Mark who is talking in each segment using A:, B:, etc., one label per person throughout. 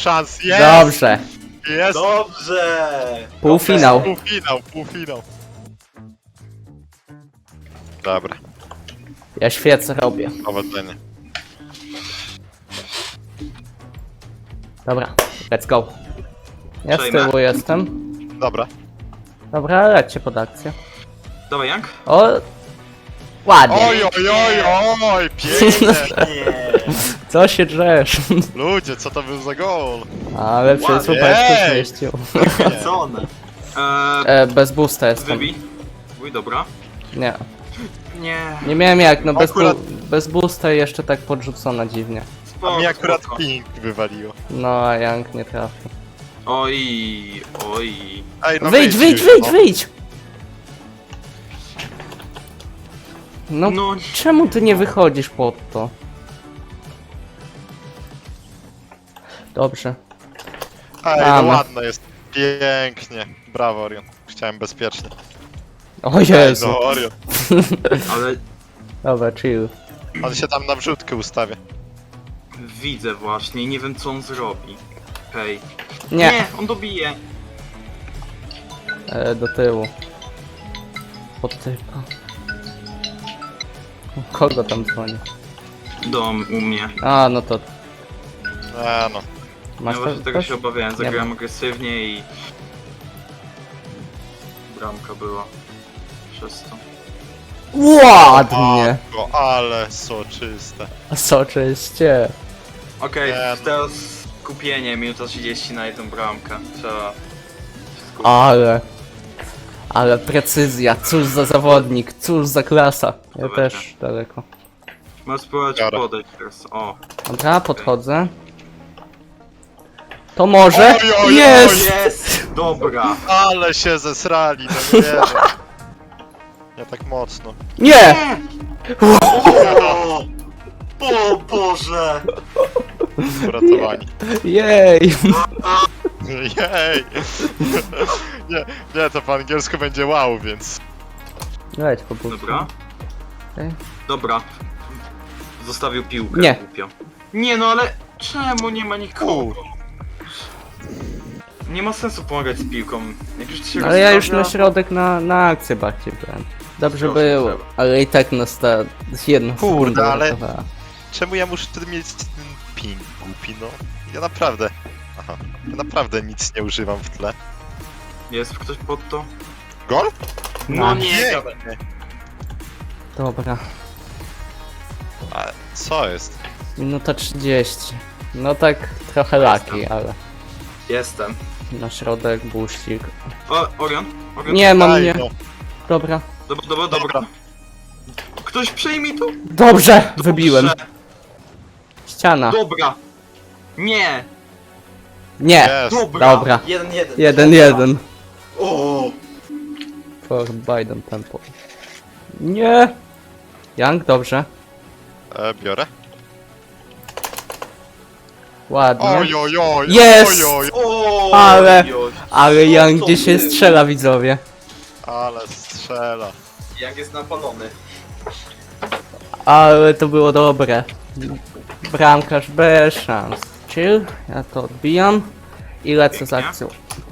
A: szans, jest!
B: Dobrze.
A: Jest!
C: Dobrze!
B: Półfinał.
A: Półfinał. Dobra,
B: Ja świecę robię.
A: powodzenia.
B: Dobra, let's go. Ja z
C: Przejmę.
B: tyłu jestem.
A: Dobra.
B: Dobra, lećcie pod akcję.
C: Dawaj, Jank.
B: O! Ładnie.
A: Oj, pięknie!
C: Nie.
B: Co się drzesz?
A: Ludzie, co to był za gol?
B: Ale przez
C: Ładnie.
B: łupeczkę
A: Ej!
B: zmieścił.
C: Co one?
B: Bez boosta jestem.
C: Wybij. Uj, dobra.
B: Nie.
C: Nie.
B: Nie miałem jak, no
A: Akurat-
B: bez boosta i jeszcze tak podrzucona dziwnie.
A: A
C: Spoko,
A: mi akurat
C: spoko.
A: ping wywaliło.
B: No, a Young nie trafił.
C: Oj.
A: Ej, no
B: Wyjdź,
A: już, no.
B: wyjdź! No,
C: No.
B: czemu ty nie wychodzisz pod to? Dobrze.
A: Ej, no
B: Mamy.
A: ładne jest. Pięknie. Brawo, Orion. Chciałem bezpiecznie.
B: O
A: Ej,
B: Jezu.
A: no, Orion.
C: Ale
B: Dobra, chill.
A: On się tam na wrzutkę ustawia.
C: widzę właśnie i nie wiem co on zrobi. Hej.
B: Nie,
C: On dobije.
B: do tyłu. Pod typa. Kogo tam dzwoni?
C: Dom u mnie.
B: A, no to
A: No.
B: masz
C: Ja właśnie tego
B: coś?
C: się obawiałem.
B: Nie
C: Zagrałem
B: ma.
C: agresywnie i... Bramka była. Przez to.
B: Ładnie!
A: Matko, ale soczyste.
B: Soczyście.
C: Okej,
A: Nie, no.
C: teraz skupienie, minuta 30 na jedną bramkę. Trzeba... się skupić.
B: Ale precyzja, cóż za zawodnik, cóż za klasa. Ja
C: Dobra.
B: też daleko.
C: Możesz spróbować
A: Dobra.
C: podejść teraz. O.
B: Dobra, podchodzę. To może?
A: Oj, oj, oj,
B: Jest!
C: Jest! Dobra.
A: Ale się zesrali, no nie wiem. Nie tak mocno.
B: Nie!
C: O Boże!
A: Uratowani.
B: Jej!
A: Jej! Nie, to po angielsku będzie wow, więc...
B: Leć po prostu.
C: Dobra.
B: Okej.
C: Dobra. Zostawił piłkę.
B: Nie.
C: Głupio. Nie no ale czemu nie ma nikogo?
A: Kur...
C: Nie ma sensu pomagać z piłką. Jak już się
B: Ale ja już na
C: rozstawia,
B: środek na akcję bardziej byłem. Dobrze
C: Proszę,
B: było,
C: trzeba.
B: ale i tak nas ta jedna
A: Kurde,
B: sekunda
A: ale-
B: uratowała.
A: Czemu ja muszę wtedy mieć ten ping głupi, no? Ja naprawdę... Aha. Ja naprawdę nic nie używam w tle.
C: Jest ktoś pod to?
A: Gol?
C: No
B: Nice.
C: nie,
A: Pięknie.
B: Dobra,
A: A co jest?
B: minuta 30. No tak trochę laki, ale
C: Jestem.
B: na środek, buścik.
C: O, Orion? Orion?
B: Nie, mam
A: Daj,
B: nie.
A: no.
B: Dobra.
C: Dobra. Ktoś przejmij tu?
B: Dobrze! Wybiłem.
C: Dobrze.
B: Ściana.
C: Dobra. Nie.
B: Nie!
A: Jest.
B: Dobra.
C: 1-1.
B: 1-1.
C: O.
B: For Biden tempo. Nie! Young, dobrze.
A: Biorę.
B: Ładnie.
A: Oj, oj, oj,
B: Jest!
A: oj, oj,
C: O.
B: Ale-
C: oj.
B: Ale Young
C: Co
B: gdzie się
C: ty?
B: strzela, widzowie.
A: ale strzela.
C: Jak jest napalony.
B: Ale to było dobre. Bramkarz bez szans. Chill, ja to odbijam. I lecę z
C: Pięknie.
B: akcją.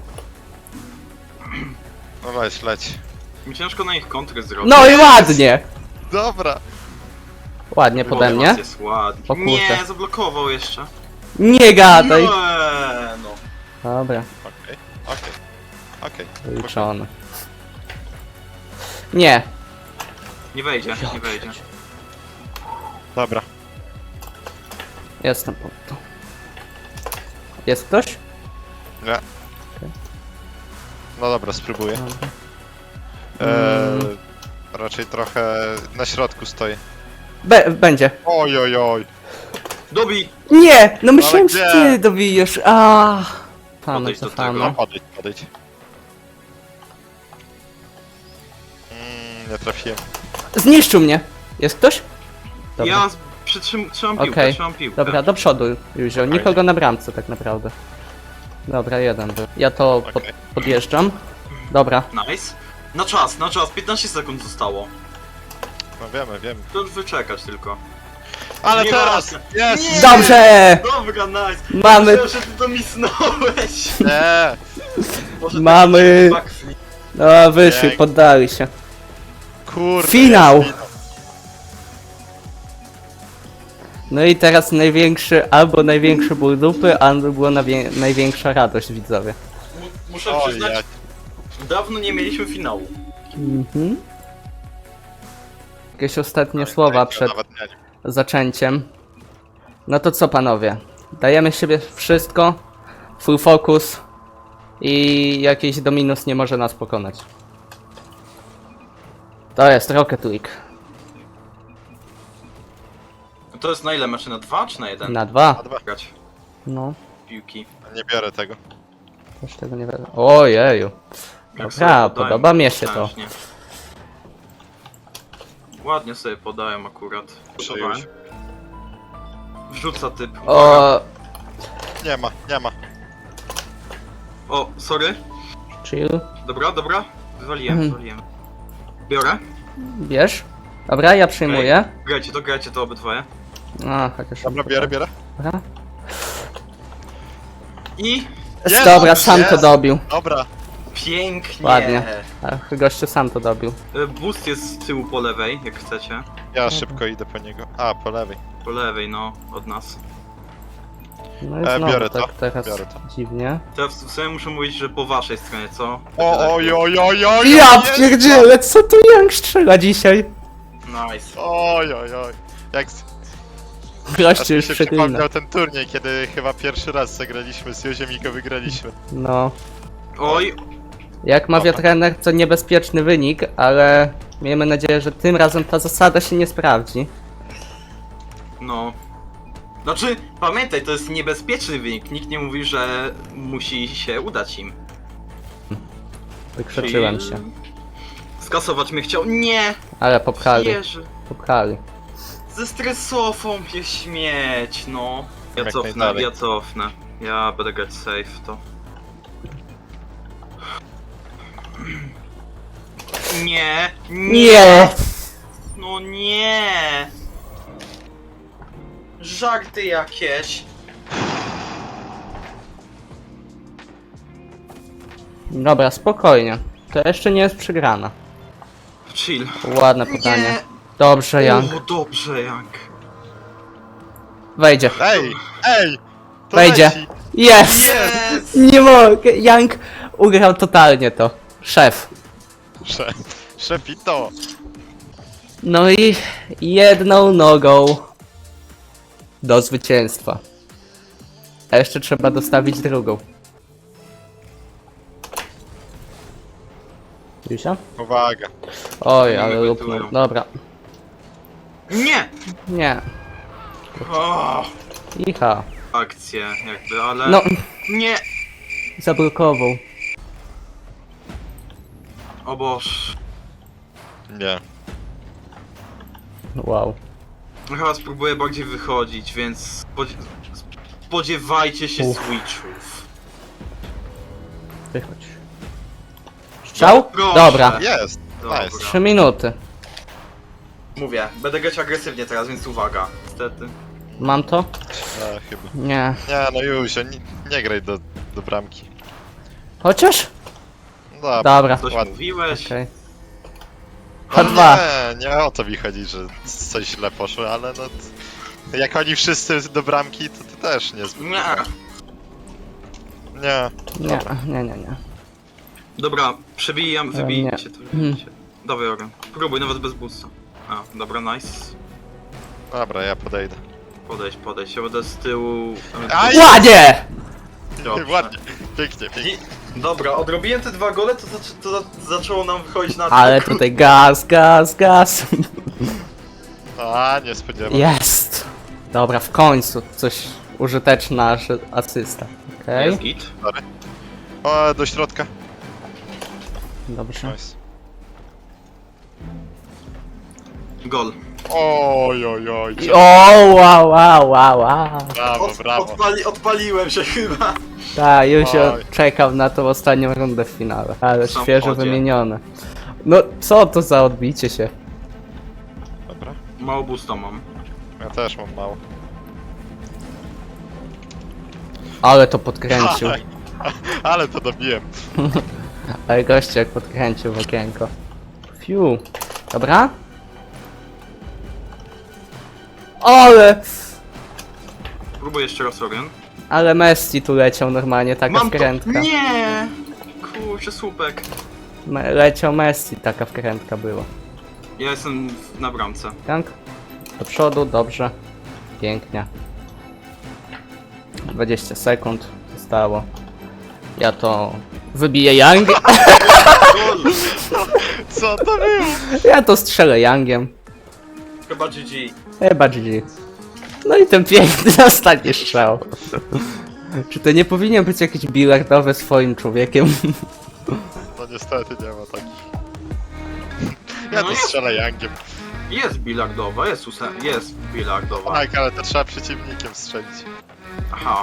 A: No weź, leć.
C: Mi ciężko na ich kontrę zrobić.
B: No i ładnie!
A: Dobra.
B: Ładnie pode mnie.
C: Jest ładnie.
B: O kurde.
C: Nie, zablokował jeszcze.
B: Nie gadaj!
C: Nie, no.
B: Dobra,
A: Okej.
B: liczone. Nie.
C: Nie wejdzie, nie wejdzie.
A: Dobra.
B: Jestem pod to. Jest ktoś?
A: Nie. No dobra, spróbuję.
B: Dobra.
A: Raczej trochę na środku stoję.
B: Będzie.
A: Oj, oj, oj.
C: Dobij!
B: Nie! No myślałem,
A: gdzie?
B: że ty dobijesz. A. Pana
C: Podejdź do
B: cofamy.
C: tego.
A: No, podejdź. Nie trafiłem.
B: Zniszczył mnie. Jest ktoś? Dobra.
C: Ja trzymam piłkę,
B: Okej.
C: trzymam piłkę.
B: Dobra, do przodu, Józio. Nikogo na bramce tak naprawdę. Dobra, jeden był. Ja to
A: Okej.
B: podjeżdżam. Dobra.
C: Nice. Na czas, 15 sekund zostało.
A: No wiemy.
C: To już wyczekać tylko.
A: Ale
C: Nie
A: teraz!
C: ma.
A: Jest!
C: Nie!
B: Dobrze!
C: Dobra, nice!
B: Mamy-
C: Myślałem, że ty to misnąłeś!
A: Nie!
C: Może
B: Mamy-
C: taki backflip.
B: No, wyszli,
A: Pięknie.
B: poddali się.
A: Kurde.
B: Finał!
A: jest
B: No i teraz największy, albo największy ból dupy, albo była największa radość, widzowie.
C: Muszę
A: Oj,
C: przyznać,
A: jak...
C: dawno nie mieliśmy finału.
B: Mhm. Jakieś ostatnie słowa przed
A: Nawet nie.
B: zaczęciem. No to co, panowie? Dajemy siebie wszystko, full focus i jakiś Dominus nie może nas pokonać. To jest Rocket League.
C: To jest na ile mecze? Na 2 czy na 1?
B: Na 2.
A: Na 2.
C: Grać
B: No,
C: piłki.
A: Nie biorę tego.
B: też tego nie wiadomo. Ojeju.
C: Jak sobie
B: Dobra,
C: podają,
B: podoba mi się to.
C: potężnie. Ładnie sobie podają akurat.
A: Przyjąć.
C: Wrzuca typ.
B: O,
A: Nie ma.
C: O, sorry.
B: chill.
C: Dobra, dobra. Wywaliłem, wywaliłem. Biorę.
B: Bierz. Dobra, ja przyjmuję.
C: Grajcie to obydwoje.
B: A, chociaż...
A: Dobra, biorę.
B: Dobra.
C: I
A: Jest,
B: Dobra,
A: jest.
B: sam to dobił.
A: Dobra.
C: pięknie.
B: Ładnie. Ach, gościu sam to dobił.
C: Boost jest z tyłu po lewej, jak chcecie.
A: Ja szybko idę po niego. A, po lewej.
C: Po lewej, no, od nas.
B: No i znowu
A: biorę
B: tak
A: to,
B: teraz
A: biorę to.
B: dziwnie.
C: Teraz w sumie muszę mówić, że po waszej stronie, co?
A: Oj.
B: Ja
A: jest!
B: pierdzielę, co tu Young strzela dzisiaj?
C: Nice.
A: Oj. Jak aż
B: Gościu
A: mi
B: już
A: się
B: przeklina.
A: przypomniał ten turniej, kiedy chyba pierwszy raz zagraliśmy z Józiem i go wygraliśmy.
B: No.
C: Oj,
B: Jak mawia
A: Dobra.
B: trener, to niebezpieczny wynik, ale miejmy nadzieję, że tym razem ta zasada się nie sprawdzi.
C: no. Znaczy, pamiętaj, to jest niebezpieczny wynik. Nikt nie mówi, że musi się udać im.
B: Wykrzyczyłem
C: Czyli
B: się.
C: Skasować mnie chciał. Nie!
B: Ale popchali,
C: Jerzy.
B: popchali.
C: Ze stresofą się śmieć, no. Ja
A: Jak
C: cofnę,
A: najdalej.
C: ja cofnę. Ja będę grać safe, to. Nie!
B: Nie!
C: No nie! Żarty jakieś.
B: Dobra, spokojnie. To jeszcze nie jest przegrana.
C: Chill.
B: Ładne podanie.
C: Nie.
B: Dobrze, Young.
C: O, dobrze, Jank.
B: Wejdzie.
A: Ej! To
B: Wejdzie.
A: leci.
B: Jest!
C: Yes!
B: Nie mogę. Young ugrał totalnie to. Szef.
A: Szefito.
B: No i jedną nogą do zwycięstwa. A jeszcze trzeba dostawić drugą. Jusia?
A: Uwaga.
B: Oj,
C: Nie
B: ale
C: wygotują.
B: lupnął. Dobra.
C: Nie!
B: Nie.
C: O,
B: Icha.
C: akcje jakby, ale...
B: No,
C: Nie!
B: zablokował.
C: O Boż.
A: Nie.
B: Wow.
C: Chyba spróbuję bardziej wychodzić, więc... Spodziewajcie się switchów.
B: Wychodź. Strzał?
C: Proszę.
B: Dobra.
A: Jest.
C: Dobra.
A: Nice.
B: 3 minuty.
C: Mówię, będę grać agresywnie teraz, więc uwaga. Niestety.
B: Mam to?
A: Chyba.
B: Nie.
A: Nie, no Józio, nie graj do bramki.
B: Chociaż?
A: Dobra.
B: Dobra.
C: Coś
A: ładnie.
C: mówiłeś?
B: Okej.
A: No
B: H2.
A: nie o to mi chodzi, że coś źle poszło, ale no... Jak oni wszyscy do bramki, to ty też nie zbyt.
C: Nie.
A: Nie.
B: Nie.
C: Dobra, przebijam,
B: nie.
C: wybijcie to, wybijcie. Dawaj, Oren. Próbuj, nawet bez boosta. A, dobra, nice.
A: Dobra, ja podejdę.
C: Podejdź, ja będę z tyłu...
A: Aj!
B: Ładnie!
C: Dobrze.
A: Ładnie. Pięknie.
C: I, dobra, odrobiłem te 2 gole, to zaczęło nam wychodzić na...
B: Ale tutaj gaz.
A: A, nie spodziewam.
B: Jest! Dobra, w końcu coś użyteczna asysta. Okej,
C: Jest git.
A: O, do środka.
B: dobrze.
A: Nice.
C: Gol.
A: Oj.
B: O, wow.
A: Brawo.
C: Odpaliłem się chyba.
B: Tak, już się
A: Oj.
B: czekał na tą ostatnią rundę w finale. Ale
C: W
B: świeżo
C: samochodzie.
B: wymienione. No, co to za odbicie się?
A: Dobra.
C: Mało boosta mam.
A: Ja też mam mało.
B: Ale to podkręcił.
A: Ale to dobiłem.
B: Ale goście jak podkręcił w okienko. Fiu. Dobra? Ale...
C: Próbuję jeszcze raz, Orion.
B: Ale Messi tu leciał normalnie, taka
C: Mam to!
B: wkrętka.
C: Nie! Kurczę, słupek.
B: Leciał Messi, taka wkrętka była.
C: Ja jestem na bramce.
B: Tak? Do przodu, dobrze. Pięknie. 20 sekund zostało. Ja to wybiję Young.
C: Gol!
A: Co to było?
B: Ja to strzelę Youngiem.
C: Chyba GG.
B: Chyba GG. No i ten piękny ostatni strzał. Czy to nie powinien być jakiś bilardowy swoim człowiekiem?
A: No niestety nie ma takich. Ja
C: No
A: to
C: jest.
A: strzelę Youngiem.
C: Jest bilardowa, jest bilardowa.
A: Tak, ale to trzeba przeciwnikiem strzelić.
C: Aha.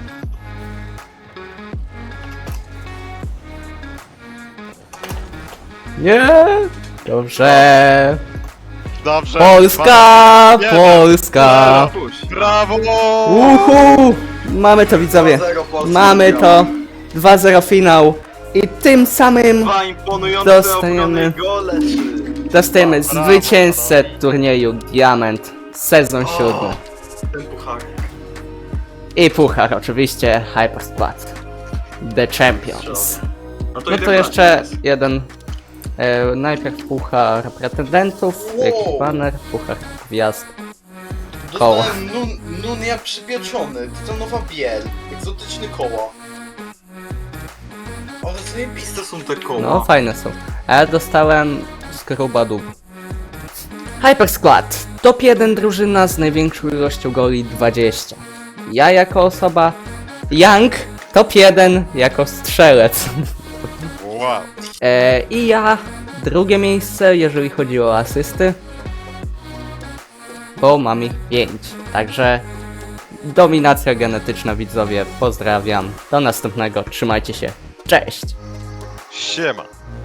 B: Nie! Dobrze!
A: Dobrze.
B: Polska!
A: Nie,
B: Polska!
C: Puść.
A: Brawo!
B: Uhu! Mamy to, widzowie.
C: 2-0 Polski
B: Mamy
C: wygrał.
B: to. 2-0 finał. I tym samym
C: Dwa imponujące
B: Dostajemy-
C: obrony gole, czy...
B: dostajemy
A: Brawo,
B: zwycięzcę
A: panowie.
B: turnieju Diament. Sezon 7.
C: Ten puchar.
B: I puchar oczywiście Hyper Squad. The Champions.
C: No
B: No to jeszcze jeden. Najpierw puchar pretendentów, jakiś banner, puchar gwiazd. Koło.
D: Dostałem Nunia przypieczony, to nowa biel, egzotyczny koło.
C: Ale zajebiste są te koła.
B: No fajne są. A ja dostałem skruba dób. Hyper Squad. Top 1 drużyna z największą ilością goli 20. Ja jako osoba. Young. Top 1 jako strzelec.
A: Wow.
B: I ja drugie miejsce, jeżeli chodzi o asysty. Bo mam ich 5. Także dominacja genetyczna, widzowie. Pozdrawiam. Do następnego. Trzymajcie się. Cześć.
A: Siema.